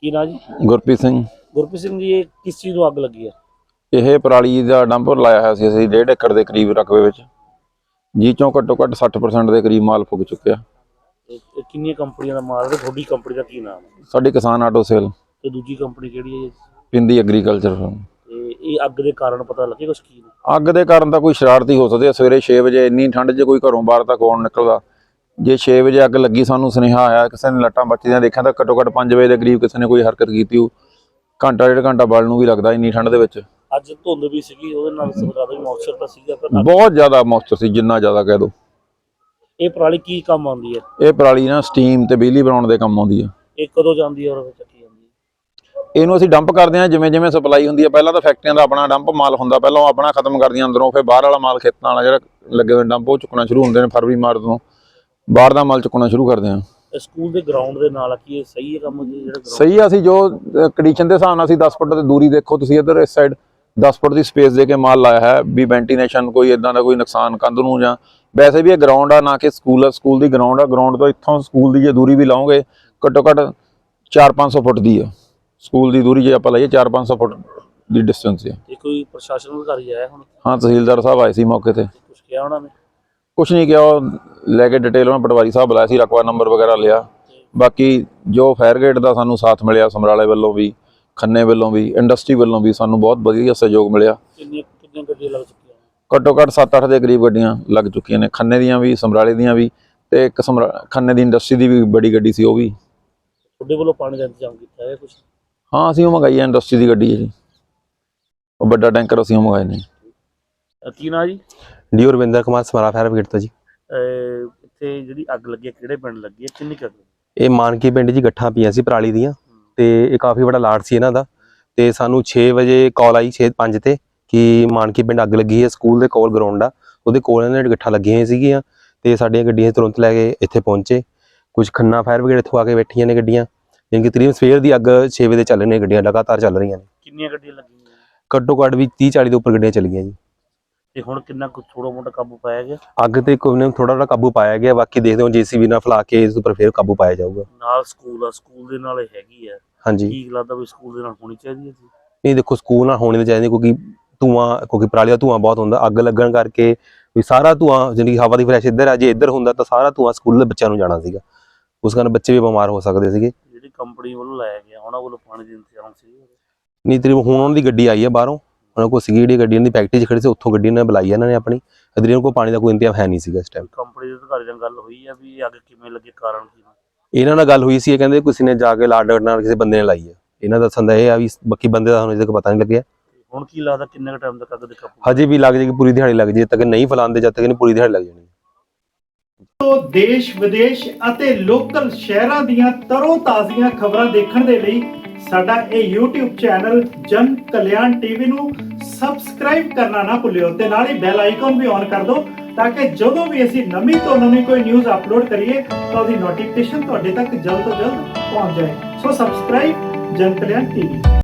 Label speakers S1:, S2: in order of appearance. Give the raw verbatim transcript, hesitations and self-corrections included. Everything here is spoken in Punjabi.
S1: ਕੀ ਨਾਂ ਜੀ?
S2: ਗੁਰਪ੍ਰੀਤ ਸਿੰਘ।
S1: ਗੁਰਪ੍ਰੀਤ ਸਿੰਘ ਜੀ, ਇਹ ਕਿਸ ਚੀਜ਼ ਨੂੰ ਅੱਗ ਲੱਗੀ ਹੈ?
S2: ਇਹ ਪਰਾਲੀ ਦਾ ਡੰਪ ਲਾਇਆ ਹੋਇਆ ਸੀ ਅਸੀਂ ਡੇਢ ਏਕੜ ਦੇ ਕਰੀਬ ਰਕਬੇ ਵਿੱਚ, ਜਿਹ ਚੋਂ ਘੱਟੋ ਘੱਟ ਸੱਠ ਪਰਸੈਂਟ ਦੇ ਕਰੀਬ ਮਾਲ ਫੁੱਕ ਚੁੱਕਿਆ।
S1: ਇਹ ਇਹ ਕਿੰਨੀਆਂ ਕੰਪਨੀਆਂ ਦਾ ਮਾਲ ਹੈ? ਤੁਹਾਡੀ ਕੰਪਨੀ ਦਾ ਕੀ ਨਾਮ ਹੈ?
S2: ਸਾਡੀ ਕਿਸਾਨ ਆਟੋ ਸੇਲ।
S1: ਤੇ ਦੂਜੀ ਕੰਪਨੀ ਕਿਹੜੀ ਹੈ ਜੀ?
S2: ਪਿੰਦੀ ਐਗਰੀਕਲਚਰ।
S1: ਤੇ ਇਹ ਅੱਗ ਦੇ ਕਾਰਨ ਪਤਾ ਲੱਗੇ ਕੁਛ ਕੀ ਨੇ?
S2: ਅੱਗ ਦੇ ਕਾਰਨ ਤਾਂ ਕੋਈ ਸ਼ਰਾਰਤੀ ਹੋ ਸਕਦੇ ਆ। ਸਵੇਰੇ ਛੇ ਵਜੇ ਇੰਨੀ ਠੰਡ 'ਚ ਕੋਈ ਘਰੋਂ ਬਾਹਰ ਤੱਕ ਕੌਣ ਨਿਕਲਦਾ। ਜੇ ਛੇ ਵਜੇ ਅੱਗ ਲੱਗੀ, ਸਾਨੂੰ ਸੁਨੇਹਾ ਆਇਆ, ਕਿਸੇ ਨੇ ਲੱਟਾਂ ਬੱਚੀਆਂ ਦੇਖਿਆ ਤਾਂ ਘੱਟੋ ਘੱਟ ਪੰਜ ਵਜੇ ਦੇ ਕਰੀਬ ਕਿਸੇ ਨੇ ਕੋਈ ਹਰਕਤ ਕੀਤੀ ਹੋ। ਘੰਟਾ ਡੇਢ ਘੰਟਾ ਬਲਣ ਨੂੰ ਵੀ ਲੱਗਦਾ ਇੰਨੀ ਠੰਡ ਦੇ ਵਿੱਚ।
S1: ਅੱਜ ਧੁੰਦ ਵੀ ਸੀਗੀ, ਉਹਦੇ ਨਾਲ ਜ਼ਿਆਦਾ ਵੀ ਮੌਇਸਚਰ ਤਾਂ ਸੀਗਾ, ਪਰ
S2: ਬਹੁਤ ਜ਼ਿਆਦਾ ਮੌਇਸਚਰ ਸੀ, ਜਿੰਨਾ ਜ਼ਿਆਦਾ ਕਹਿ ਦੋ।
S1: ਇਹ ਪਰਾਲੀ ਕੀ ਕੰਮ ਆਉਂਦੀ ਹੈ?
S2: ਇਹ ਪਰਾਲੀ ਨਾ ਸਟੀਮ ਤੇ ਬਿਜਲੀ ਬਣਾਉਣ ਦੇ ਕੰਮ ਆਉਂਦੀ ਆ।
S1: ਇਹ ਕਦੋਂ ਜਾਂਦੀ ਹੈ ਔਰ ਚੱਕੀ ਜਾਂਦੀ ਹੈ?
S2: ਇਹਨੂੰ ਅਸੀਂ ਡੰਪ ਕਰਦੇ ਹਾਂ ਜਿਵੇਂ ਜਿਵੇਂ ਸਪਲਾਈ ਹੁੰਦੀ ਹੈ। ਪਹਿਲਾਂ ਤਾਂ ਫੈਕਟਰੀਆਂ ਦਾ ਆਪਣਾ ਡੰਪ ਮਾਲ ਹੁੰਦਾ, ਪਹਿਲਾਂ ਉਹ ਆਪਣਾ ਖਤਮ ਕਰਦੀਆਂ ਅੰਦਰੋਂ, ਫਿਰ ਬਾਹਰ ਵਾਲਾ ਮਾਲ ਖੇਤਾਂ ਵਾਲਾ ਜਿਹੜਾ ਲੱਗੇ ਹੋਏ ਡੰਪ ਉਹ ਚੁੱਕਣਾ ਸ਼ੁਰੂ ਹੁੰਦੇ ਨੇ। ਫਰਵਰੀ ਮਾਰਚ ਤੋਂ ਬਾਹਰ ਦਾ ਮਾਲ ਚੁੱਕਣਾ ਸ਼ੁਰੂ ਕਰਦੇ ਹਾਂ।
S1: ਸਕੂਲ ਦੇ ਗਰਾਊਂਡ ਦੇ ਨਾਲ ਕੀ ਇਹ ਸਹੀ ਹੈ ਕੰਮ ਜੀ? ਜਿਹੜਾ
S2: ਸਹੀ ਆ, ਅਸੀਂ ਜੋ ਕੰਡੀਸ਼ਨ ਦੇ ਹਿਸਾਬ ਨਾਲ ਅਸੀਂ ਦਸ ਫੁੱਟ ਦੀ ਦੂਰੀ, ਦੇਖੋ ਤੁਸੀਂ ਇੱਧਰ ਇਸ ਸਾਈਡ ਦਸ ਫੁੱਟ ਦੀ ਸਪੇਸ ਦੇ ਕੇ ਮਾਲ ਲਾਇਆ ਹੈ ਵੀ ਵੈਂਟੀਲੇਸ਼ਨ ਕੋਈ ਇਦਾਂ ਦਾ ਕੋਈ ਨੁਕਸਾਨ ਕੰਧ ਨੂੰ, ਜਾਂ ਵੈਸੇ ਵੀ ਇਹ ਗਰਾਊਂਡ ਆ ਨਾ ਕਿ ਸਕੂਲ ਆ। ਸਕੂਲ ਦੀ ਗਰਾਊਂਡ ਆ, ਗਰਾਊਂਡ ਤੋਂ ਇੱਥੋਂ ਸਕੂਲ ਦੀ ਜੇ ਦੂਰੀ ਵੀ ਲਾਓਗੇ ਘੱਟੋ ਘੱਟ ਚਾਰ ਪੰਜ ਸੌ ਫੁੱਟ ਦੀ ਆ ਸਕੂਲ ਦੀ ਦੂਰੀ। ਜੇ ਆਪਾਂ ਲਾਈਏ ਚਾਰ ਪੰਜ ਸੌ ਫੁੱਟ ਦੀ ਡਿਸਟੈਂਸ ਹੈ।
S1: ਤੇ ਕੋਈ ਪ੍ਰਸ਼ਾਸਨ ਅਧਿਕਾਰੀ ਆਇਆ ਹੁਣ?
S2: ਹਾਂ, ਤਹਿਸੀਲਦਾਰ ਸਾਹਿਬ ਆਏ ਸੀ ਮੌਕੇ ਤੇ।
S1: ਕੁਛ ਕਿਹਾ ਉਹਨਾਂ ਨੇ?
S2: ਕੁਛ ਨਹੀਂ ਕਿਹਾ, ਉਹ ਲੈ ਕੇ ਡਿਟੇਲ ਉਹਨਾਂ ਪਟਵਾਰੀ ਸਾਹਿਬ ਬੁਲਾਇਆ ਸੀ, ਰਕਬਾ ਨੰਬਰ ਵਗੈਰਾ ਲਿਆ। ਬਾਕੀ ਜੋ ਫਾਇਰ ਗੇਟ ਦਾ ਸਾਨੂੰ ਸਾਥ ਮਿਲਿਆ ਸਮਰਾਲੇ ਵੱਲੋਂ ਵੀ, ਖੰਨੇ ਵੱਲੋਂ ਵੀ, ਇੰਡਸਟਰੀ ਵੱਲੋਂ ਵੀ ਸਾਨੂੰ ਬਹੁਤ ਵਧੀਆ ਸਹਿਯੋਗ ਮਿਲਿਆ।
S1: ਕਿੰਨੀਆਂ ਕਿੰਨੀਆਂ ਗੱਡੀਆਂ ਲੱਗ ਚੁੱਕੀਆਂ?
S2: ਘੱਟੋ ਘੱਟ ਸੱਤ ਅੱਠ ਦੇ ਕਰੀਬ ਗੱਡੀਆਂ ਲੱਗ ਚੁੱਕੀਆਂ ਨੇ, ਖੰਨੇ ਦੀਆਂ ਵੀ, ਸਮਰਾਲੇ ਦੀਆਂ ਵੀ, ਤੇ ਇੱਕ ਸਮਰਾ ਖੰਨੇ ਦੀ ਇੰਡਸਟਰੀ ਦੀ ਵੀ ਬੜੀ ਗੱਡੀ ਸੀ, ਉਹ ਵੀ।
S1: ਤੁਹਾਡੇ ਵੱਲੋਂ ਪਾਣੀ ਦਾ ਇੰਤਜ਼ਾਮ ਕੀਤਾ ਹੈ ਕੁਛ?
S2: ਹਾਂ, ਅਸੀਂ ਉਹ ਮੰਗਾਈ ਹੈ, ਇੰਡਸਟਰੀ ਦੀ ਗੱਡੀ ਹੈ ਜੀ, ਉਹ ਵੱਡਾ ਟੈਂਕਰ ਅਸੀਂ ਉਹ ਮੰਗਾਏ ਨੇ।
S1: ਕੀ ਨਾਂ ਜੀ?
S3: D Ravinder Kumar, Samra fire brigade ਤੋਂ ਜੀ।
S1: ਇੱਥੇ ਜਿਹੜੀ ਅੱਗ ਲੱਗੀ ਹੈ ਕਿਹੜੇ ਪਿੰਡ ਲੱਗੀ ਹੈ, ਕਿੰਨੀ ਕੁ ਅੱਗ?
S3: ਇਹ ਮਾਨਕੀ ਪਿੰਡ ਜੀ, ਗੱਠਾਂ ਪਈਆਂ ਸੀ ਪਰਾਲੀ ਦੀਆਂ, ਤੇ ਇਹ ਕਾਫੀ ਵੱਡਾ ਲਾਟ ਸੀ ਇਹਨਾਂ ਦਾ। ਤੇ ਸਾਨੂੰ ਛੇ ਵਜੇ ਕਾਲ ਆਈ, ਛੇ ਪੰਜ ਤੇ, ਕਿ ਮਾਨਕੀ ਪਿੰਡ ਅੱਗ ਲੱਗੀ ਹੈ। ਸਕੂਲ ਦੇ ਕੋਲ ਗਰਾਊਂਡ ਆ, ਉਹਦੇ ਕੋਲ ਇਹਨਾਂ ਨੇ ਗੱਠਾਂ ਲੱਗੀਆਂ ਹੋਈਆਂ ਸੀਗੀਆਂ, ਤੇ ਸਾਡੀਆਂ ਗੱਡੀਆਂ ਤੁਰੰਤ ਲੈ ਕੇ ਇੱਥੇ ਪਹੁੰਚੇ। ਕੁਝ ਖੰਨਾ ਫਾਇਰ ਬ੍ਰਿਗੇਡ ਇੱਥੋਂ ਆ ਕੇ ਬੈਠੀਆਂ ਨੇ ਗੱਡੀਆਂ, ਯਾਨੀ ਕਿ ਤਕਰੀਬਨ ਸਵੇਰ ਦੀ ਅੱਗ ਛੇ ਵਜੇ ਚੱਲ ਰਹੀਆਂ ਗੱਡੀਆਂ, ਲਗਾਤਾਰ ਚੱਲ ਰਹੀਆਂ ਨੇ।
S1: ਕਿੰਨੀਆਂ ਗੱਡੀਆਂ ਲੱਗੀਆਂ?
S3: ਘੱਟੋ ਘੱਟ ਵੀ ਤੀਹ ਚਾਲੀ ਦੇ ਉੱਪਰ ਗੱਡੀਆਂ ਚੱਲੀਆਂ ਜੀ।
S1: ਤੇ ਹੁਣ ਕਿੰਨਾ ਕੁ ਥੋੜਾ ਮੋਟਾ ਕਾਬੂ ਪਾਇਆ ਗਿਆ?
S3: ਅੱਗ ਤੇ ਕੋਈ ਨੇ ਥੋੜਾ ਥੋੜਾ ਕਾਬੂ ਪਾਇਆ ਗਿਆ, ਬਾਕੀ ਦੇਖਦੇ ਹਾਂ ਜੀਸੀਬੀ ਨਾਲ ਫਲਾ ਕੇ ਇਸ ਉੱਪਰ ਫਿਰ ਕਾਬੂ ਪਾਇਆ ਜਾਊਗਾ।
S1: ਨਾਲ ਸਕੂਲ ਆ, ਸਕੂਲ ਦੇ ਨਾਲ ਇਹ ਹੈਗੀ ਹੈ,
S3: ਹਾਂਜੀ,
S1: ਕੀ ਲੱਗਦਾ ਵੀ ਸਕੂਲ ਦੇ ਨਾਲ ਹੋਣੀ ਚਾਹੀਦੀ ਹੈ?
S3: ਨਹੀਂ ਦੇਖੋ, ਸਕੂਲ ਨਾਲ ਹੋਣੀ ਚਾਹੀਦੀ, ਕਿਉਂਕਿ ਧੂਆਂ, ਕਿਉਂਕਿ ਪਰਾਲੀ ਦਾ ਧੂਆਂ ਬਹੁਤ ਹੁੰਦਾ। ਅੱਗ ਲੱਗਣ ਕਰਕੇ ਵੀ ਸਾਰਾ ਧੂਆਂ, ਜਿਹੜੀ ਹਵਾ ਦੀ ਫਰੈਸ਼ ਇੱਧਰ ਆ, ਜੇ ਇੱਧਰ ਹੁੰਦਾ ਤਾਂ ਸਾਰਾ ਧੂਆਂ ਸਕੂਲ ਦੇ ਬੱਚਿਆਂ ਨੂੰ ਜਾਣਾ ਸੀਗਾ, ਉਸ ਕਾਰਨ ਬੱਚੇ ਵੀ ਬਿਮਾਰ ਹੋ ਸਕਦੇ ਸੀਗੇ।
S1: ਜਿਹੜੀ ਕੰਪਨੀ ਵੱਲੋਂ ਲਾਇਆ ਗਿਆ, ਉਹਨਾਂ ਵੱਲੋਂ ਪਾਣੀ ਦੀ ਇੰਤਜ਼ਾਮ ਸੀ?
S3: ਨਹੀਂ, ਤਕਰੀਬਨ ਹੁਣ ਉਹਨਾਂ ਦੀ ਗੱਡੀ ਆਈ ਹੈ ਬਾਹਰੋਂ, ਉਹਨਾਂ ਕੋਲ ਸੀਗੀ ਜਿਹੜੀ ਗੱਡੀ, ਉਹਨਾਂ ਦੀ ਫੈਕਟਰੀ 'ਚ ਖੜੀ ਸੀ, ਉੱਥੋਂ ਗੱਡੀ ਉਹਨਾਂ ਨੇ ਬੁਲਾਈ ਇਹਨਾਂ ਨੇ ਆਪਣੀ। ਅਦਰੀਆਂ ਕੋਲ ਪਾਣੀ ਦਾ ਕੋਈ ਇੰਤਜ਼ਾਮ ਹੈ ਨਹੀਂ ਸੀਗਾ ਇਸ ਟਾਈਮ।
S1: ਕੰਪਨੀ ਦੇ ਅਧਿਕਾਰੀ ਨਾਲ ਗੱਲ ਹੋਈ ਹੈ ਵੀ ਅੱਗ ਕਿਵੇਂ ਲੱਗੀ, ਕਾਰਨ ਕੀ?
S3: ਇਹਨਾਂ ਨਾਲ ਗੱਲ ਹੋਈ ਸੀ, ਇਹ ਕਹਿੰਦੇ ਕਿਸੇ ਨੇ ਜਾ ਕੇ ਲਾਡ ਨਾਲ ਕਿਸੇ ਬੰਦੇ ਨੇ ਲਾਈ ਹੈ। ਇਹਨਾਂ ਦਾ ਦੱਸਣ ਦਾ ਇਹ ਆ ਵੀ ਬਾਕੀ ਬੰਦੇ ਦਾ ਹੁਣ ਅਜੇ ਤੱਕ ਪਤਾ ਨਹੀਂ ਲੱਗਿਆ।
S1: ਹੁਣ ਕੀ ਲੱਗਦਾ ਕਿੰਨੇ ਕੁ ਟਾਈਮ ਤੱਕ ਅੱਗ ਦੇ ਕਾਬੂ?
S3: ਹਜੇ ਵੀ ਲੱਗ ਜਾਏਗੀ, ਪੂਰੀ ਦਿਹਾੜੀ ਲੱਗ ਜਾਏ, ਜਦ ਤੱਕ ਨਹੀਂ ਫੈਲਾਉਂਦੇ, ਜਦ ਤੱਕ ਨਹੀਂ ਪੂਰੀ ਦਿਹਾੜੀ ਲੱਗ ਜਾਣੀ।
S4: ਤੋਂ ਦੇਸ਼ ਵਿਦੇਸ਼ ਅਤੇ ਲੋਕਲ ਸ਼ਹਿਰਾਂ ਦੀਆਂ ਤਰੋ ਤਾਜ਼ੀਆਂ ਖਬਰਾਂ ਦੇਖਣ ਦੇ ਲਈ ਸਾਡਾ ਇਹ YouTube ਚੈਨਲ ਜਨ ਕਲਿਆਣ ਟੀਵੀ ਨੂੰ ਸਬਸਕ੍ਰਾਈਬ ਕਰਨਾ ਨਾ ਭੁੱਲਿਓ, ਤੇ ਨਾਲ ਹੀ ਬੈਲ ਆਈਕਨ ਵੀ ਔਨ ਕਰ ਦਿਓ, ਤਾਂ ਕਿ ਜਦੋਂ ਵੀ ਅਸੀਂ ਨਵੀਂ ਤੋਂ ਨਵੀਂ ਕੋਈ ਨਿਊਜ਼ ਅਪਲੋਡ ਕਰੀਏ ਤਾਂ ਉਹਦੀ ਨੋਟੀਫਿਕੇਸ਼ਨ ਤੁਹਾਡੇ ਤੱਕ ਜਲਦ ਤੋਂ ਜਲਦ ਪਹੁੰਚ ਜਾਏ। ਸੋ ਸਬਸਕ੍ਰਾਈਬ ਜਨ ਕਲਿਆਣ ਟੀਵੀ।